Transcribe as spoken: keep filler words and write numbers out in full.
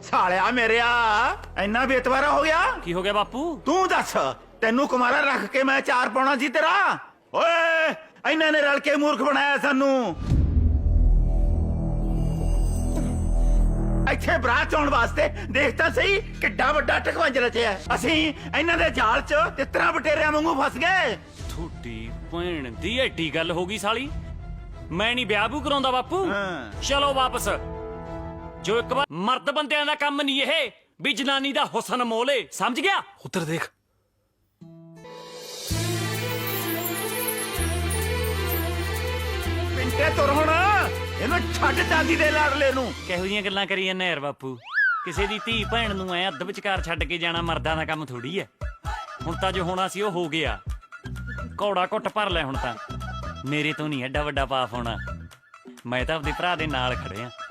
ਸਾਲਿਆ ਮੇਰਿਆ ਇੰਨਾ ਬੇਤਵਾਰਾ ਹੋ ਗਿਆ। ਕੀ ਹੋ ਗਿਆ ਬਾਪੂ? ਤੂੰ ਦੱਸ, ਤੈਨੂੰ ਕੁਮਾਰਾ ਰੱਖ ਕੇ ਮੈਂ ਚਾਰ ਪਾਉਣਾ ਸੀ ਤੇਰਾ? ਓਏ ਇਹਨਾਂ ਨੇ ਰਲ ਕੇ ਮੂਰਖ ਬਣਾਇਆ ਸਾਨੂੰ। ਇੱਥੇ ਬਰਾਤ ਚੋਣ ਵਾਸਤੇ ਦੇਖ ਤਾਂ ਸਹੀ ਕਿੱਡਾ ਵੱਡਾ ਟਕਵੰਜ ਰਚਿਆ। ਅਸੀਂ ਇਹਨਾਂ ਦੇ ਜਾਲ 'ਚ ਤਿੱਤਰਾਂ ਬਟੇਰਿਆਂ ਵਾਂਗੂ ਫਸ ਗਏ। ਥੋੜੀ ਭੈਣ ਦੀ ਐਡੀ ਗੱਲ ਹੋ ਗਈ ਸਾਲੀ। ਮੈਂ ਨਹੀਂ ਵਿਆਹ ਬੂ ਕਰਾਉਂਦਾ ਬਾਪੂ। ਚਲੋ ਵਾਪਸ। ਜੋ ਇੱਕ ਵਾਰ ਮਰਦ ਬੰਦਿਆਂ ਦਾ ਕੰਮ ਨਹੀਂ ਇਹ ਵੀ ਜਨਾਨੀ ਦਾ ਹੁਸਨ ਮੋਲੇ, ਸਮਝ ਗਿਆ? ਉੱਧਰ ਦੇਖ। ਪਿੰਟੇ ਤੁਰ ਹੁਣ, ਇਹਨੂੰ ਛੱਡ ਚਾਂਦੀ ਦੇ ਲਾੜਲੇ ਨੂੰ। ਕਿਹੋ ਜਿਹੀਆਂ ਗੱਲਾਂ ਕਰੀ ਜਾਂਦਾ ਯਾਰ ਬਾਪੂ। ਕਿਸੇ ਦੀ ਧੀ ਭੈਣ ਨੂੰ ਐ ਅੱਧ ਵਿਚਕਾਰ ਛੱਡ ਕੇ ਜਾਣਾ ਮਰਦਾਂ ਦਾ ਕੰਮ ਥੋੜੀ ਐ। ਹੁਣ ਤਾਂ ਜੋ ਹੋਣਾ ਸੀ ਉਹ ਹੋ ਗਿਆ। ਘੋੜਾ ਘੁੱਟ ਭਰ ਲੈ ਹੁਣ ਤਾਂ। ਮੇਰੇ ਤੋਂ ਨਹੀਂ ਐਡਾ ਵੱਡਾ ਪਾਪ ਹੋਣਾ। ਮੈਂ ਤਾਂ ਆਪਦੇ ਭਰਾ ਦੇ ਨਾਲ ਖੜਿਆ।